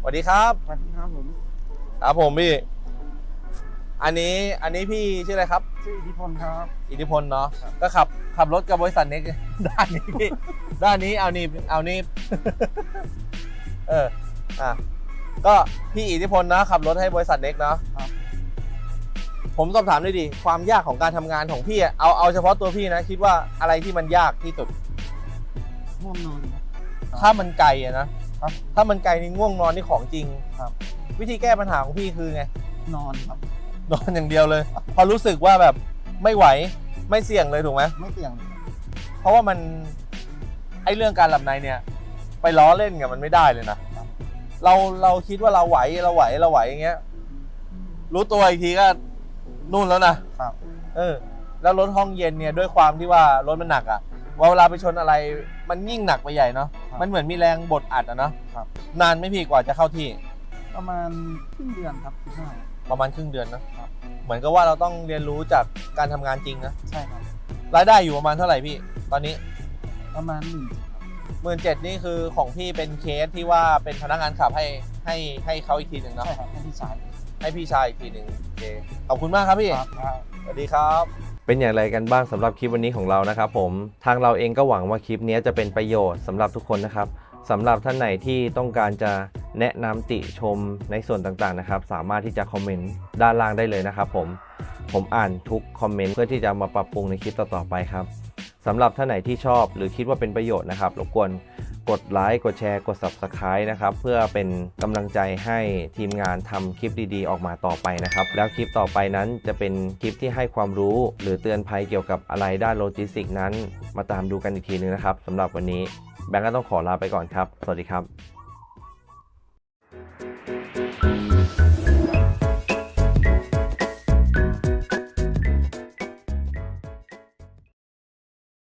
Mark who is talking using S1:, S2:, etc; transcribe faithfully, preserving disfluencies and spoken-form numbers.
S1: วัสดีครับ
S2: สวัสดีครับผม
S1: ครับผมพี่อันนี้อันนี้พี่ชื่ออะไรครับ
S2: ชื่ออิทธิพลครับ
S1: อิทธิพลเนาะก็ขับขับรถกับบริษัทเน็กด้านนี้พี่ด้านนี้เอานี่เอานี่ เอออ่ะก็พี่อิทธิพลนะขับรถให้บริษัทเน็กเนาะ
S2: ครับ
S1: ผมสอบถามด้วยดิความยากของการทำงานของพี่อะเอาเอาเฉพาะตัวพี่นะคิดว่าอะไรที่มันยากที่สุด
S2: ง่วงนอนครับ
S1: ถ้ามันไกลอะนะครับถ้ามันไกลนี่ง่วงนอนนี่ของจริง
S2: ครับ
S1: วิธีแก้ปัญหาของพี่คือไง
S2: นอนครับ
S1: นอนอย่างเดียวเลย พอรู้สึกว่าแบบไม่ไหวไม่เสี่ยงเลยถูกไหม
S2: ไม่เสี่ยงเลยครับ
S1: เพราะว่ามันไอเรื่องการหลับในเนี่ยไปล้อเล่นกับมันไม่ได้เลยนะเราเราคิดว่าเราไหวเราไหวเราไหวอย่างเงี้ยรู้ตัวอีกทีก็นู่นแล้วนะครับเออแล้วรถห้องเย็นเนี่ยด้วยความที่ว่ารถมันหนักอ่ะเวลาไปชนอะไรมันยิ่งหนักไปใหญ่เนาะมันเหมือนมีแรงบดอัดอะเนาะนานไม่พี่กว่าจะเข้าที่
S2: ประมาณครึ่งเดือนครับสิบห้า
S1: ประมาณครึ่งเดือนนะครับเหมือนกับว่าเราต้องเรียนรู้จากการทำงานจริงนะ
S2: ใช่ครับ
S1: รายได้อยู่ประมาณเท่าไหร่พี่ตอนนี้
S2: ประมาณหนึ่ง
S1: หมื่นเจ็ดนี่คือของพี่เป็นเคสที่ว่าเป็นพนักงานขับให้ให้ให้เขาอีกทีหนึ่งเนาะ
S2: ใช่ครับให้พี่ชาย
S1: ให้พี่ชายอีกทีหนึ่งโอเคขอบคุณมากครับพี่
S2: ครับ
S1: สวัสดีครับเป็นอย่างไรกันบ้างสำหรับคลิปวันนี้ของเรานะครับผมทางเราเองก็หวังว่าคลิปนี้จะเป็นประโยชน์สำหรับทุกคนนะครับสำหรับท่านไหนที่ต้องการจะแนะนำติชมในส่วนต่างๆนะครับสามารถที่จะคอมเมนต์ด้านล่างได้เลยนะครับผมผมอ่านทุกคอมเมนต์เพื่อที่จะมาปรับปรุงในคลิปต่อๆไปครับสำหรับท่านไหนที่ชอบหรือคิดว่าเป็นประโยชน์นะครับรบกวนกดไลค์กดแชร์กด ซับสไครบ์ นะครับเพื่อเป็นกำลังใจให้ทีมงานทำคลิปดีๆออกมาต่อไปนะครับแล้วคลิปต่อไปนั้นจะเป็นคลิปที่ให้ความรู้หรือเตือนภัยเกี่ยวกับอะไรด้านโลจิสติกส์นั้นมาตามดูกันอีกทีนึงนะครับสำหรับวันนี้แบงก์ก็ต้องขอลาไปก่อนครับสวัสดีครับ